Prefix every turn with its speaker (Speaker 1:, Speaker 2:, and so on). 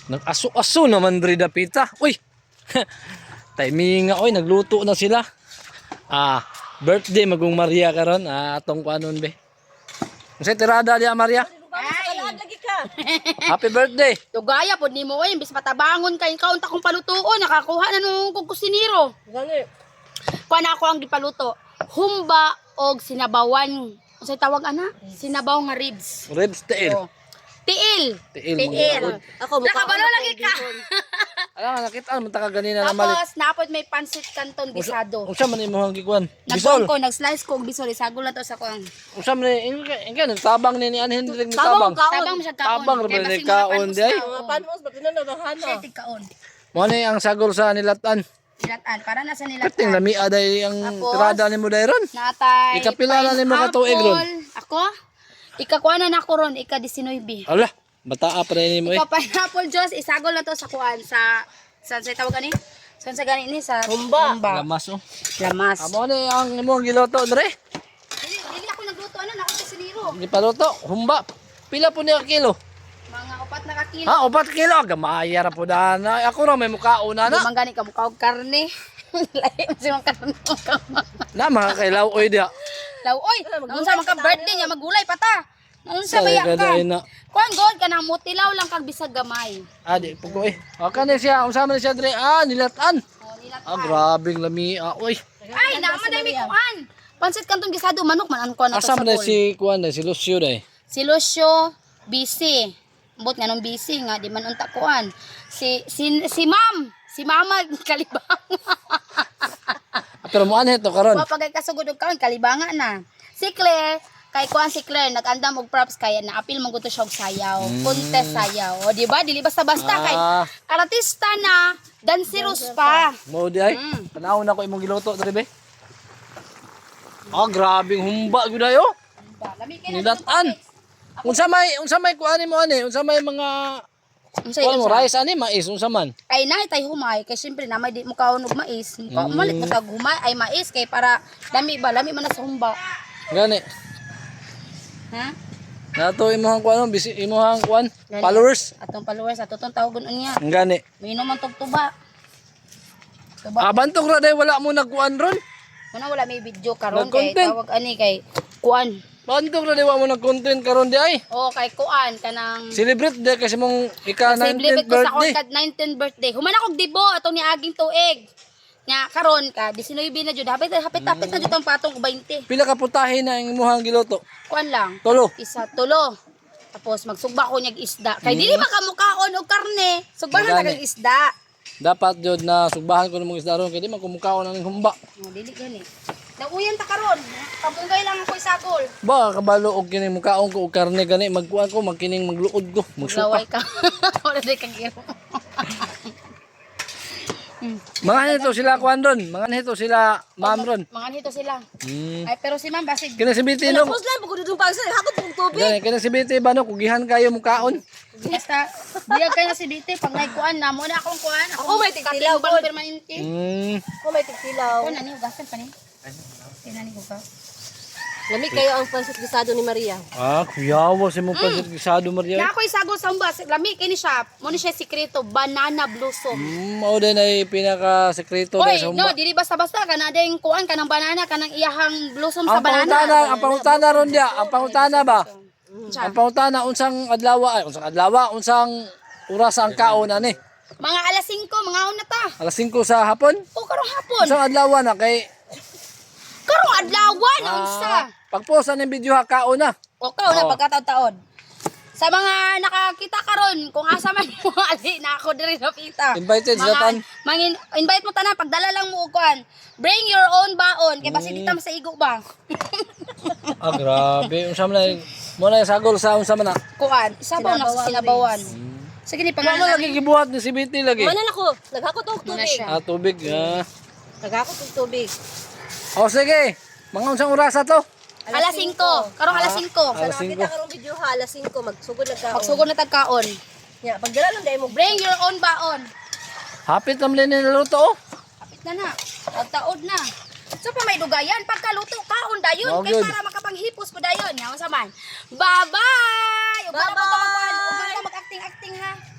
Speaker 1: Nag-aso-aso naman diri dapita. Uy. Timing nga oy, nagluto na sila. Birthday magong Maria karon. Atong kuanon be. Unsay tirada diya Maria?
Speaker 2: Ay, lagi ka.
Speaker 1: Happy birthday.
Speaker 2: Tugaya pod nimo oy, bis matabangon kay kaunta kong palutuon, nakakuha na nung kong kusinero.
Speaker 3: Gani.
Speaker 2: Kuha na ako ang gipaluto. Humba og sinabawan. Unsay tawag ana? Sinabaw nga ribs.
Speaker 1: Ribs tail.
Speaker 2: Oh. Tiil.
Speaker 1: Tiil.
Speaker 3: Ako
Speaker 2: Nakabalo lagi ka.
Speaker 1: Ala nakita man ta ka ganina na malit.
Speaker 2: Tapos napod may pansit kanton gisado.
Speaker 1: Unsa man imong gikuan?
Speaker 2: Nagkuhan
Speaker 1: Bisol.
Speaker 2: ko, nag-slice ko og bisol, isagol na to sa kuang.
Speaker 1: Unsa man ingka nagtabang ni anhin diri tabang.
Speaker 2: Tabang mo siya kaon.
Speaker 1: Tabang ra ba ni kaon di ay?
Speaker 3: Mga panmos ba't tinanadahan
Speaker 2: Siya
Speaker 3: na?
Speaker 2: tig-kaon.
Speaker 1: Mo ni ang sagol sa nilatan.
Speaker 2: Nilatan, para na sa
Speaker 1: Kating
Speaker 2: nilatan.
Speaker 1: lami aday ang
Speaker 2: Tapos,
Speaker 1: tirada nimo dayron.
Speaker 2: Natay.
Speaker 1: Ikapila na nimo ka tuig ron?
Speaker 2: Ako? Ikakuha na ako ron, ika-19.
Speaker 1: Ala, bataa pa rin mo eh.
Speaker 2: Ika-pineapple juice, isagol na to sa kuan, sa tawag gani? Saan sa gani ni? Sa
Speaker 3: Humba.
Speaker 1: Lamas oh.
Speaker 2: Lamas.
Speaker 1: Amo ni ang imong giloto dre.
Speaker 2: Dili ako nagluto, ano, ako sa siniro.
Speaker 1: Gipaluto, humba. Pila po niya kilo?
Speaker 2: Mga 4 na kakilo.
Speaker 1: 4 kilo. Gamaya ra po dana. Ako ra may mukhaon na
Speaker 2: Di
Speaker 1: na.
Speaker 2: man gani ka mukha og karne. Lahi mo si mga karne.
Speaker 1: Na mga kailaw oy dia.
Speaker 2: Law, oy, naunsa man ka birthday niya, magulay pa ta. Naunsa ba ya ka?
Speaker 1: na.
Speaker 2: Kuan god ka nang mutilaw lang kag bisag gamay.
Speaker 1: Di pugo eh. Okay na siya. Unsa man siya dre? Nilatan.
Speaker 2: Oh, nilatan.
Speaker 1: Grabing lami. Oy.
Speaker 2: Ay, naman dami kuan. Pansit kantong gisado manok man ang kuan na to
Speaker 1: Asa
Speaker 2: sa
Speaker 1: man
Speaker 2: pool.
Speaker 1: si kuan si Lucio dai.
Speaker 2: Si Lucio, busy. Ambot nga nung busy nga, di man unta kuan. Si Ma'am, si Mama kalibang.
Speaker 1: Pero mo anhe to karon.
Speaker 2: Papagay kasugod og kaon kalibanga na. Si Claire, kay kuan si Claire nag-andam og props kaya na-appeal mo gusto siya og sayaw, contest sayaw. O di ba? Dili basta-basta kay artista na, danceros pa.
Speaker 1: Mo di ay. Tanaw na ko imong giluto dre be. Grabing humba gyud ayo.
Speaker 2: Lami kay
Speaker 1: Nilatan. Unsa may kuan mo ani? Unsa may mga
Speaker 2: Unsay
Speaker 1: kuan mo rice ani mais unsa man?
Speaker 2: Kay nahi tay humay kay syempre na may di mo kaon og mais. Malit mo tag humay ay mais kay para lami ba lami man na sa humba.
Speaker 1: Gani.
Speaker 2: Ha?
Speaker 1: Nato imong kuan imong kuan
Speaker 2: Gani.
Speaker 1: followers.
Speaker 2: Atong followers atong tawagon unya.
Speaker 1: Gani.
Speaker 2: Minom man tog tuba. Tuba.
Speaker 1: Bantog ra day wala mo nagkuan ron.
Speaker 2: Muna wala may video karon kay
Speaker 1: Nag-content.
Speaker 2: tawag ani kay kuan.
Speaker 1: Bantog ra day wala mo nag-content karon di ay.
Speaker 2: O kay kuan kanang
Speaker 1: Celebrate day kasi mong ika
Speaker 2: celebrate
Speaker 1: 19th
Speaker 2: ko sa
Speaker 1: birthday.
Speaker 2: akong 19th birthday. Human akong dibo atong niaging tuig. Nya karon ka 19 na jud hapit na jud ang patong 20.
Speaker 1: Pila ka putahe na ang imong giluto?
Speaker 2: Kuan lang.
Speaker 1: Tulo.
Speaker 2: Isa tulo. Tapos magsugba ko nyag isda. Kay dili makamukaon og karne. Sugbahan na
Speaker 1: Gani.
Speaker 2: kag isda.
Speaker 1: Dapat jud na sugbahan ko ng mga isda ron kay di man kumukaon ang humba.
Speaker 2: Oh, dili gani. Nauyan ta karon. Kabungay lang ako isagol.
Speaker 1: Ba kabalo og kining mukaon ko og karne gani magkuan ko magkining magluod ko magsuka.
Speaker 2: Laway ka. Wala di kag iro.
Speaker 1: Mga nito sila kuan ron, mga nito sila ma'am ron.
Speaker 2: Mga nito sila.
Speaker 1: Hmm.
Speaker 2: Ay pero si Ma'am basig.
Speaker 1: Kini si Biti no.
Speaker 3: Tapos lang, pagod itong pagsa, hakot pong tubig.
Speaker 1: Gani kini si Biti ba no kugihan kayo mukaon.
Speaker 2: Basta diya kay na si Dite pag kuan na mo na akong kuan.
Speaker 3: Ako may tigtilaw,
Speaker 2: bang
Speaker 3: God.
Speaker 2: permanente.
Speaker 3: Ako may tigtilaw.
Speaker 2: Kuan ani ugasan pa ni. Kinani ko ka.
Speaker 3: Lami kayo ang pansit gisado ni Maria.
Speaker 1: Kuyawa si mo pansit gisado Maria.
Speaker 2: Na ako isagol sa umbas. Lami kay ni siya. Mo ni siya sikreto banana blossom.
Speaker 1: Mao din ay pinaka sekreto
Speaker 2: Oy,
Speaker 1: sa
Speaker 2: no,
Speaker 1: humba.
Speaker 2: dili basta-basta kana ding kuan kanang banana kanang iyahang blossom sa
Speaker 1: Ang pangutana,
Speaker 2: banana.
Speaker 1: ang pangutana ron dia, ang pangutana ba?
Speaker 2: Siya.
Speaker 1: Ang pangutana unsang adlaw, unsang oras ang kaon ani?
Speaker 2: Mga alas 5 mga una ta.
Speaker 1: Alas 5 sa hapon?
Speaker 2: O karong hapon.
Speaker 1: Unsang adlaw na kay
Speaker 2: Karong adlaw na unsa.
Speaker 1: pagpost ng video ha kaon na.
Speaker 2: O kao na
Speaker 1: Oo.
Speaker 2: pagkataon-taon. Sa mga nakakita karon kung asa man mo ali na ako diri napita.
Speaker 1: Invited sila tan.
Speaker 2: Invite mo tanan pagdala lang mo og kuan. Bring your own baon kay basi dita sa igo ba.
Speaker 1: Grabe, unsa man na mo na sagol sa unsa man na.
Speaker 2: Kuan, sabaw na sa sinabawan. Sige ni
Speaker 1: Ano
Speaker 2: pangalan
Speaker 1: lagi gibuhat ni si Biti lagi?
Speaker 3: Manan ako, naghakot og
Speaker 2: Muna
Speaker 3: tubig.
Speaker 2: siya.
Speaker 1: Tubig.
Speaker 3: Naghakot og tubig.
Speaker 1: O sige, mga unsang oras to?
Speaker 2: Alas 5. Karong alas 5.
Speaker 1: Alas
Speaker 3: Sa
Speaker 1: 5.
Speaker 3: nakita karong video ha, alas 5, magsugod na ka.
Speaker 2: Pagsugod na tagkaon.
Speaker 3: Ya, pagdala lang dai mo.
Speaker 2: Bring your own baon.
Speaker 1: Hapit naman din niluto oh.
Speaker 2: Kapit na na. Pagtaod na. So pa may dugayan pagkaluto kaon dayon
Speaker 1: Oh,
Speaker 2: kay
Speaker 1: good.
Speaker 2: para makapanghipos ko dayon. Yaman sa man. Bye-bye. Ug
Speaker 3: Bye-bye.
Speaker 2: Ug mag-acting-acting ha.